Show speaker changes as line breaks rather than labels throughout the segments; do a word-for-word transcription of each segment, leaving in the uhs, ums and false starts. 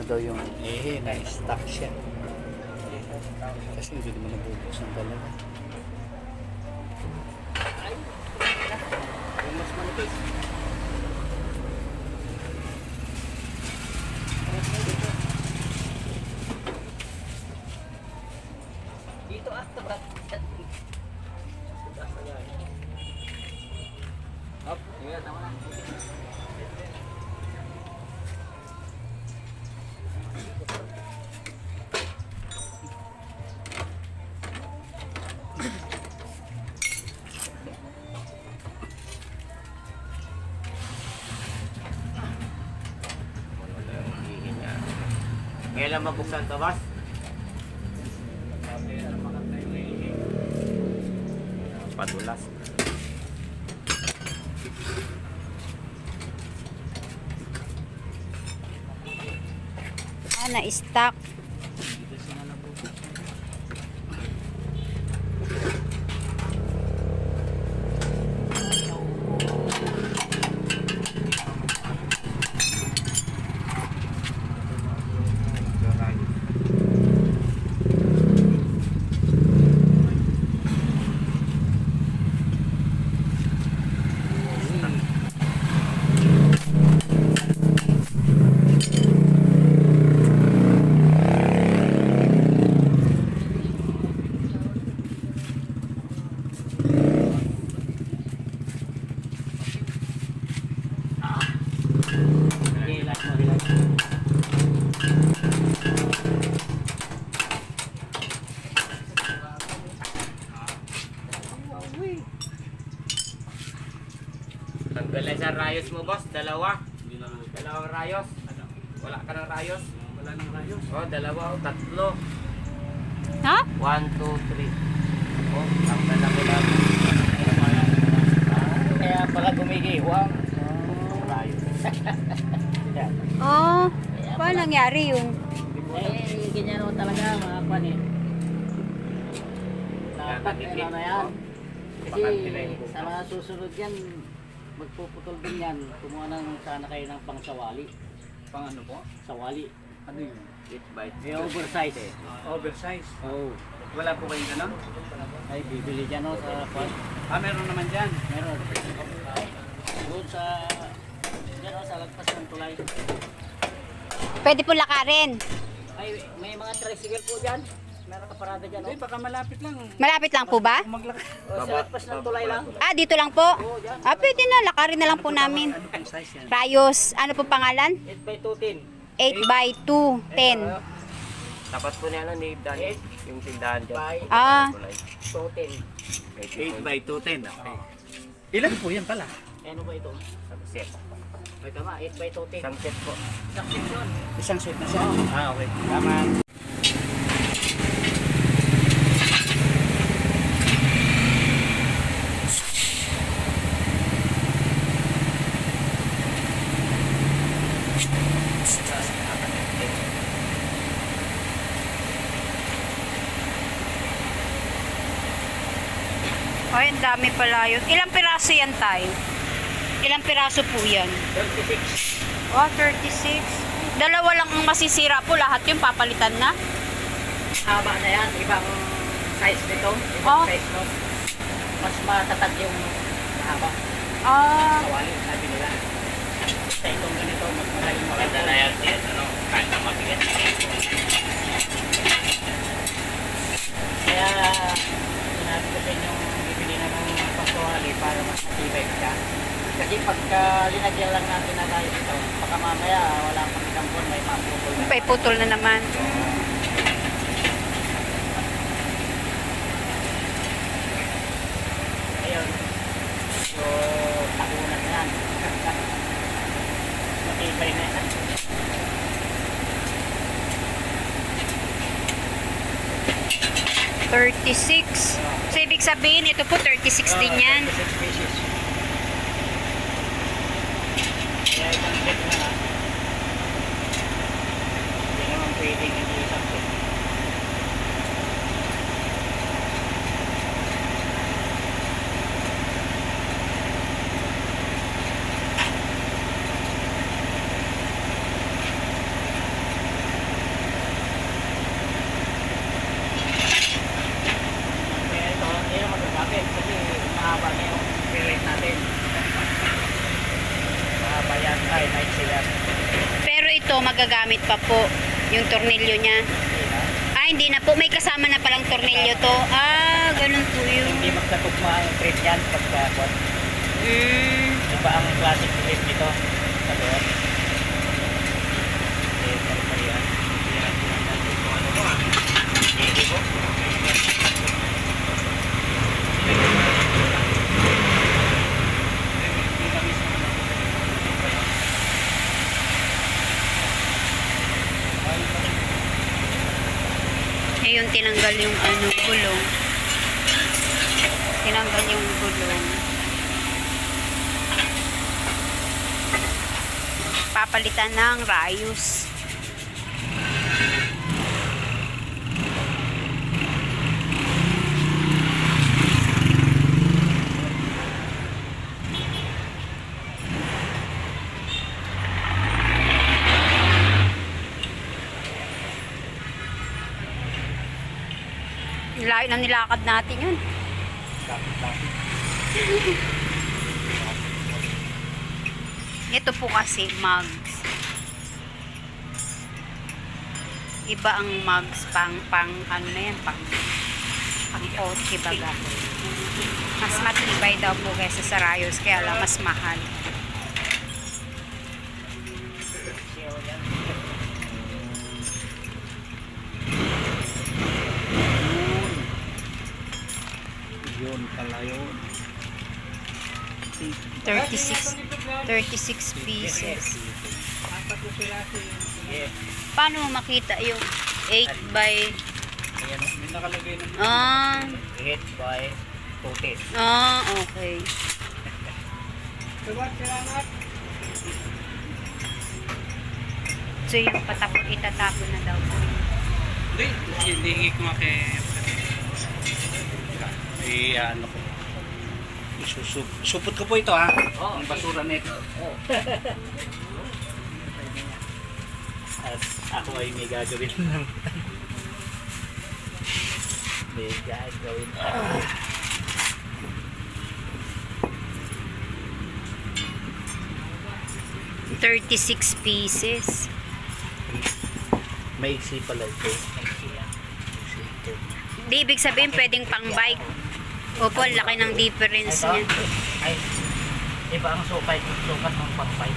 daw yung ehe na stock siya. Kasi hindi naman nabubuksan talaga.
Yung mas manipis. Dito ah, tabak. Hop, tingnan tama na.
Kailan mabuksan to, boss? Padulas.
Ah, na-stock.
Tanggalin sa rayos mo, boss. Dalawa. Dalawang rayos. Wala ka ng rayos.
Wala nang rayos.
Oh, dalawa o tatlo.
Ha?
One, two, three. Oh, tanggal na ko lang.
Kaya pala gumigiwang.
Rayos.
Oh, paano nangyari yun?
Eh, ganyan naman talaga mga kwan eh. Dapat ano na yan. Kasi sa mga susunod yan, magpuputol din yan. Kumuha ng sana kayo ng pang sawali.
Pang ano po?
Sawali.
Ano yun?
It bite.
May oversize eh.
Oversize.
Oo. Oh.
Wala po kayong ganun?
Ay, bibili dyan o sa kwan.
Ah, meron naman dyan.
Meron. Doon sa... Dyan o, sa lagpas ng tulay.
Pwede po lakarin.
Ay, may mga tricycle po dyan. Meron ka parada dyan o.
Hindi, baka malapit lang.
Malapit lang po ba?
Kung maglaki.
O, sa lagpas ng tulay lang.
Ah, dito lang po? Ah, pwede na. Lakarin na lang po namin.
Ano pong size yan?
Rayos. Ano po pangalan?
eight by two ten.
eight by two, ten.
Tapat po niya na ni Dani. Yung tindahan dyan.
By
Ah,
two ten.
eight by two ten. Okay. Ilan po yan pala?
Ano ba ito?
Isang set.
Ay, tama. eight by two ten.
Isang set po.
Isang section.
Isang set na siya. Ah, okay.
Tama.
ay, ang dami pala yun. Ilang piraso yan tayo? Ilang piraso po yan?
thirty-six.
Oh, thirty-six. Dalawa lang ang masisira po. Lahat yung papalitan na.
Haba na yan. Ibang size nito. Ibang
Oh.
size no. Mas matatag yung haba.
Ah,
Sawali. Sabi nila. Sa itong ganito, mas malaking
Maganda na yan. Yes, ano? Kahit na mabigat.
Kaya, sinabi ko sa inyong bibili na ng pasawali para mas matibay ka. Kasi pagka linagyan lang natin na tayo ito, baka mamaya wala pang isang buwan, may mapupol na.
may putol na naman.
Ayun. So, takunan na yan. Matibay na yan.
thirty-six. So, ibig sabihin, ito po thirty-six din yan.
thirty-six pieces. Kaya isang set na lang. Hindi naman pwedeng hindi isang set.
magagamit pa po yung tornilyo niya. Ah, hindi na po. May kasama na palang tornilyo to. Ah, ganun po yun.
Hindi magkatugma ang thread yan pagka kwan.
Mm.
Iba ang classic thread nito. Sa doon. Eh, pari-parihan. Yan ang sinasabi ko. Ano mo ah? Hindi po.
Ayun, tinanggal yung ano, gulong. Tinanggal yung gulong. Papalitan ng rayos. Layo na nilakad natin yun. Ito po kasi mugs. Iba ang mugs pang pang ano na yan, pang pang kotse baga. Mas matibay daw po kaysa sa rayos, kaya lang mas mahal.
Yun pala yun.
thirty-six, thirty-six pieces.
Yeah.
Paano mo makita yung eight by...
Ayan o.
May nakalagay na.
Ah,
eight by two.
ah, okay. So yung patapon, itatapon na daw po.
Hindi, hindi ko nga kay... Eh, ano ko. Isusup. Supot ko po ito ha.
Oo.
Ang basura nito.
Oh.
At ako ay may gagawin lang.
May gagawin.
thirty-six pieces.
Maiksi pala ito.
Di ibig sabihin pwedeng pang bike. Opo, ang laki ng difference
Ito?
niya.
Ay, iba ang sukay. Sukat ng pang-fight.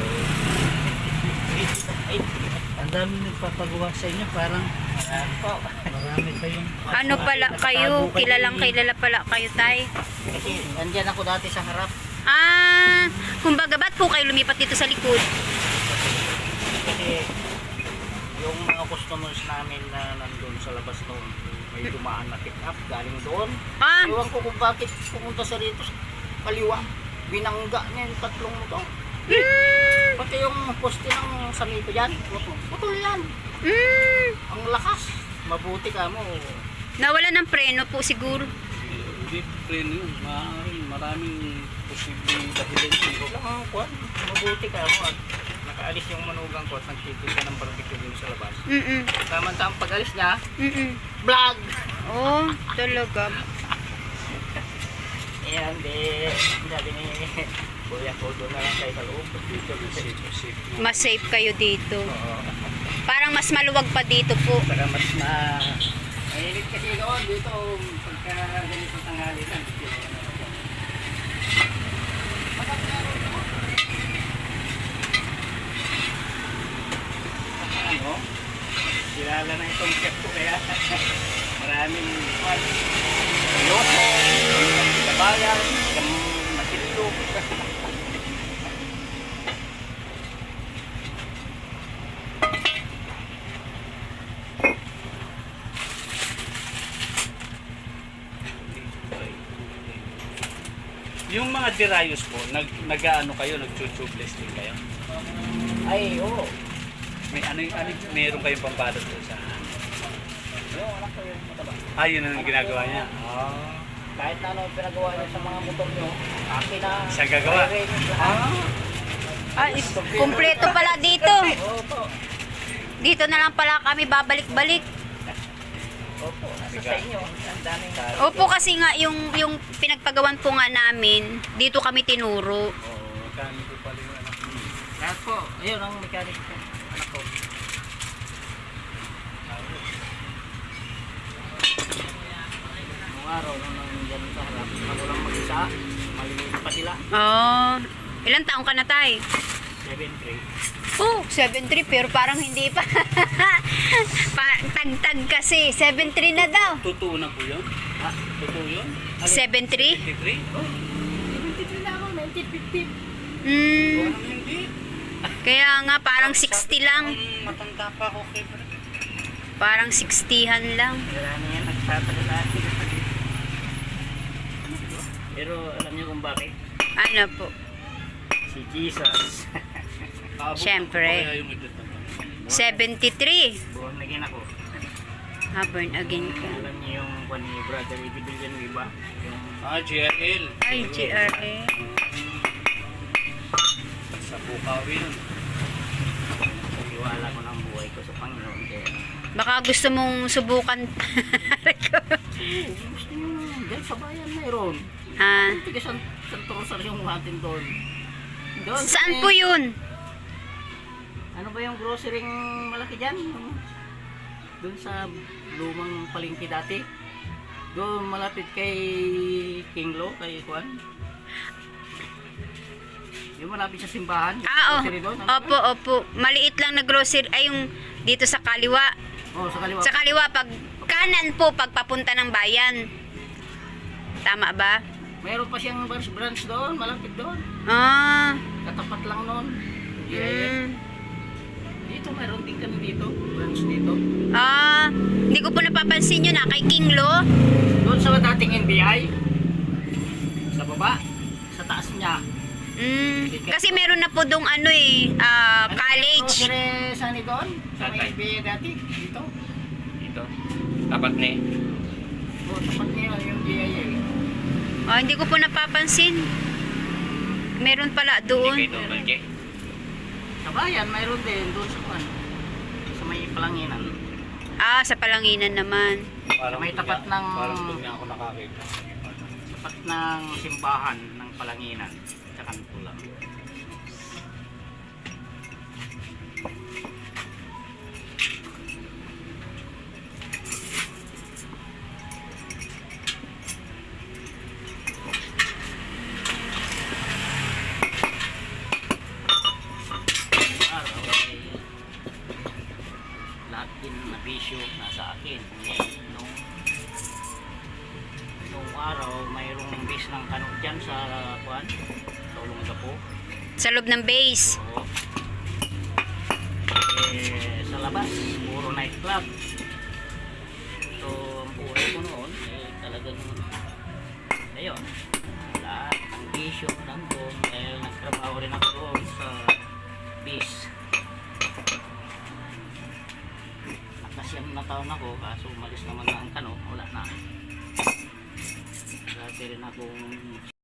Ay,
Ang dami nagpapagawa sa inyo. Parang
ayan po.
marami kayong...
Ano pala kayo? Kilalang kilala pala kayo, tay?
Kasi andyan ako dati sa harap.
Ah, kumbaga ba't po kayo lumipat dito sa likod?
Kasi yung mga customers namin na nandun sa labas noon, may dumaan na pick up galing doon.
Ah,
Ewan ko kung bakit pumunta sa rito sa kaliwa. Binangga niya yung tatlong motor.
mm,
Pati yung poste ng samito dyan, putol yan.
mm,
Ang lakas. Mabuti ka mo.
nawala ng preno po siguro.
Hindi preno yun. Maaaring maraming posibleng dahilan.
Wala kang kwan. Mabuti ka mo at nakaalis yung manugang ko at nagtitin ka ng barbecue dun sa labas.
Mm-mm,
Samantang pag-alis niya,
mm-mm.
vlog!
Oh, talaga.
Ayan, di. Sabi ni Kuya ko, doon na lang kayo sa loob.
Dito, safe, safe na.
Mas safe kayo dito.
Oo.
Parang mas maluwag pa dito po.
Saka mas na... Mahilig kasi doon dito pagka ganito tanghali lang. Ano? Kilala na itong chef ko kaya maraming kwan. Yoso, kabayan, masildo.
Yung mga dirayos po, nag, nag-ano kayo, nag-tubeless din kayo?
Ay, oo.
May ano yung ano, meron kayong pambalot po sa...
Yung anak ko yung mataba.
Ah, yun ang ginagawa niya.
Ah. Kahit na ano yung pinagawa niyo sa mga motor niyo, akin na.
Siya gagawa?
Ah.
Ah, is- kumpleto pala dito.
Opo.
Dito na lang pala kami babalik-balik.
Opo, nasa sa inyo. Ang daming
Opo, kasi nga yung yung pinagpagawan po nga namin, dito kami tinuro.
Oo, kami po pala yung anak mo.
Lahat po. Ayun ang mechanic ko. Anak ko. araw nung nandiyan sa harap, ako lang mag-isa, maliliit pa sila.
Oh, ilang taong ka na, tay?
seven three.
Oh, seven three pero parang hindi pa. pa tagtag kasi, seven three na daw.
Totoo na po yun?
Ha?
Totoo yun?
seven three?
fifty-three?
Oh, seventy-three na ako, nineteen fifty.
Hmm,
Parang hindi.
kaya nga parang sixty lang.
Ang matanda pa ako kay Brad.
Parang sixty-han lang.
Wala na yan, nagtatagal sa akin. Pero alam niyo kung bakit?
Ano po?
Si Jesus.
Kaabot
Siyempre.
ko pa kaya yung edad na to.
seventy-three.
Buwan naging ako.
Ah, born again ka.
Alam niyo yung kwan ni Brother Eddie Villanueva? Yung
Ah, G R L.
Ay, G R A.
Sa Bukawi yun.
paghiwala ko ng buhay ko sa Panginoon. Kaya
Baka gusto mong subukan.
gusto niyo, dahil sa bayan mayroon.
ah,
Tiga San, Santo Rosario yung atin doon. Doon.
saan
eh,
po yun?
Ano ba yung grocery malaki dyan? Doon sa lumang palengke dati. Doon malapit kay King Lo, kay Juan. Yung malapit sa simbahan. yung
Ah, oh.
grocery doon. Ano
Opo, opo. Maliit lang na grocery. Ay, yung dito sa kaliwa.
ba? Oh, sa kaliwa.
Sa kaliwa, pag kanan po, pagpapunta ng bayan. Tama ba?
Mayroon pa siyang branch branch doon, malapit doon.
Ah,
Katapat lang noon. Yeah.
mm.
Dito, mayroon din kami dito. Branch dito.
Ah, hindi ko po napapansin yun ah, kay King Lo.
Doon sa dating N B I. Sa baba. Sa taas niya.
Mm, kasi meron na po dong ano eh, ah,
Ano yung
college.
grocery sani doon? Sa may
Tatay.
N B I dati. Dito.
Ito. Tapat ni.
O, tapat niya yung G I A.
Ah, hindi ko po napapansin. Meron pala
Hindi
doon.
kayo doon, Balje.
Sa bayan, mayroon din. Doon sa kuwan. Sa may palanginan.
Ah, sa Palanginan naman.
Parang
May
doon
tapat
niya-
ng-
Parang doon niya ako nakakita.
Tapat ng simbahan ng palanginan. Sa kanto lang. Araw ay lahat din na bisyo nasa akin. Nung, nung araw mayroong bis ng kano dyan sa kuan, sa Ulong Gapo.
Sa loob ng base.
Oo. Eh, sa labas, puro nightclub. So, ang buhay ko noon, eh, talagang, ayun, lahat ng bisyo nandun, dahil nagtrabaho rin ako doon sa bis. Nakasyam na taon ako, kaso umalis naman na ang kano, wala na. Dati rin akong